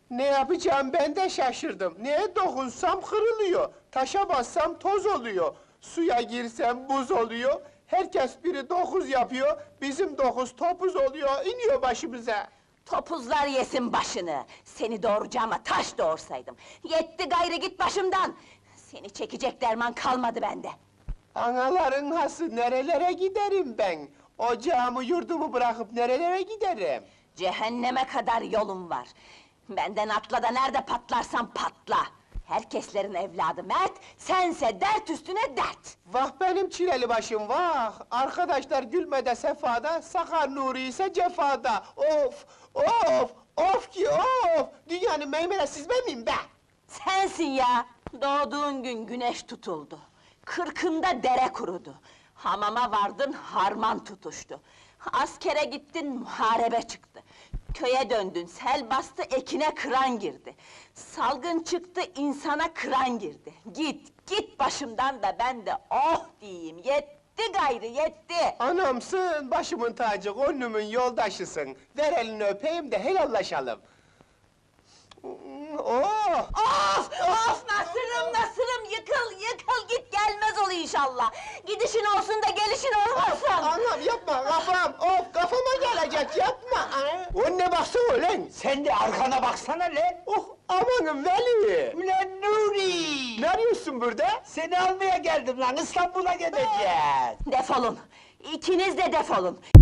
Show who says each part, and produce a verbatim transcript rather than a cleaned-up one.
Speaker 1: Ne yapacağım ben de şaşırdım. Neye dokunsam kırılıyor. Taşa bassam toz oluyor. Suya girsem buz oluyor. Herkes biri dokuz yapıyor. Bizim dokuz topuz oluyor, iniyor başımıza.
Speaker 2: Topuzlar yesin başını! Seni doğuracağıma taş doğursaydım! Yetti gayrı git başımdan! Seni çekecek derman kalmadı bende!
Speaker 1: Anaların hası, nerelere giderim ben? Ocağımı yurdumu bırakıp nerelere giderim?
Speaker 2: Cehenneme kadar yolum var! Benden atla da nerede patlarsan patla! Herkeslerin evladı Mert, sense dert üstüne dert!
Speaker 1: Vah benim çileli başım vah! Arkadaşlar gülmede sefada, Sakar Nuri ise cefada! Of! Of! Of ki of! Dünyanın meymelesiz ben miyim be?
Speaker 2: Sensin ya! Doğduğun gün güneş tutuldu. Kırkında dere kurudu. Hamama vardın, harman tutuştu. Askere gittin, muharebe çıktı. Köye döndün, sel bastı, ekine kıran girdi. Salgın çıktı, insana kıran girdi. Git, git başımdan da ben de oh diyeyim, yetti gayrı, yetti!
Speaker 1: Anamsın, başımın tacı, gönlümün yoldaşısın. Ver elini öpeyim de helallaşalım. Oh!
Speaker 2: Of! Of! Nasırım, nasırım! Yıkıl, yıkıl! Git, gelmez ol inşallah! Gidişin olsun da gelişin olmasın!
Speaker 1: Anam yapma, kafam! Of, kafama gelecek, yapma! Aa! Önüne baksana ulan!
Speaker 3: Sen de arkana baksana lan!
Speaker 1: Oh, amanın Veli!
Speaker 3: Ulan Nuri!
Speaker 1: Ne arıyorsun burada?
Speaker 3: Seni almaya geldim lan, İstanbul'a gideceğiz!
Speaker 2: Defolun! İkiniz de defolun!